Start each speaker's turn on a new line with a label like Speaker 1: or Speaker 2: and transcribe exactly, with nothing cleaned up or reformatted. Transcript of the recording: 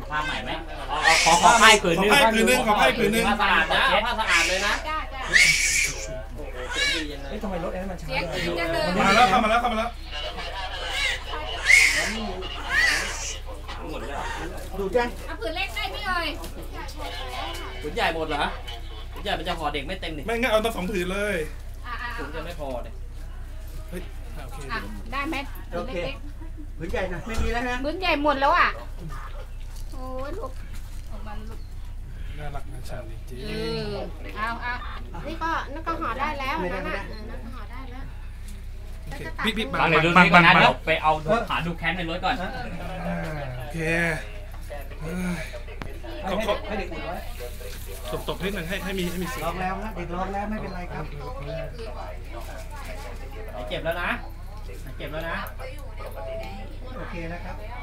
Speaker 1: ผ้าใหม่ไหมขอขอผ้าผืนนึง
Speaker 2: ขอผ้าผืนนึงขอผ้าผืนนึง
Speaker 1: ผ้าสะอาดนะผ้าสะอาดเลยนะ
Speaker 3: จ้าจ้า
Speaker 4: เฮ้ยทำไมรถแอนมันช้า
Speaker 3: เสียงจริงจังเลย
Speaker 2: มาแล้วเข้ามาแล้วเข้ามาแล้ว
Speaker 4: ดูจ้ะ
Speaker 3: เอาผืนเล็กได้ไหมเอ่ย
Speaker 1: ผืนใหญ่หมดเหรอผืนใหญ่มันจะห่อเด็กไม่เต็มนี่
Speaker 2: ไม่งั้นเอาตั้งสองผืนเลย
Speaker 3: อ่าอ่า
Speaker 1: ผืนจะไม่พอเนี่ย
Speaker 2: เฮ้ยโอเค
Speaker 3: อ่ะได้ไหมผื
Speaker 4: โอน เค
Speaker 3: เล็ก
Speaker 4: ผืนใหญ่นะไม่มีแล้วนะ
Speaker 3: ๆผืนใหญ่หมดแล้วอ่ะโอ้ยลูกออกมาลูก
Speaker 2: น่ารักน่าชังจริง
Speaker 3: เออเอาเอา
Speaker 5: นี่ก็นั่นก็ห่อได้แล้วนั่นน่ะเออนั่นก็ห่อได้แล้ว
Speaker 2: โอเคพี่พี่
Speaker 1: บา
Speaker 2: บั
Speaker 1: ง
Speaker 2: ง
Speaker 1: เดี๋ยวดูนี่ก่อนนะเดี๋ยวไปเอาหาดูแคมป์ในรถก่อน
Speaker 2: โอเคเอ้ย
Speaker 4: ให้ให้เด็กอุ่นไว้
Speaker 2: ตบตบนิดหนึ่งให้ให้มีให้มีเสีย
Speaker 4: ลอง งแล้วนะเด็กลองแล้วไม่เป็นไรครับ
Speaker 1: เจ็บแล้วนะเจ็บแล้วนะ
Speaker 4: โอเคนะครับ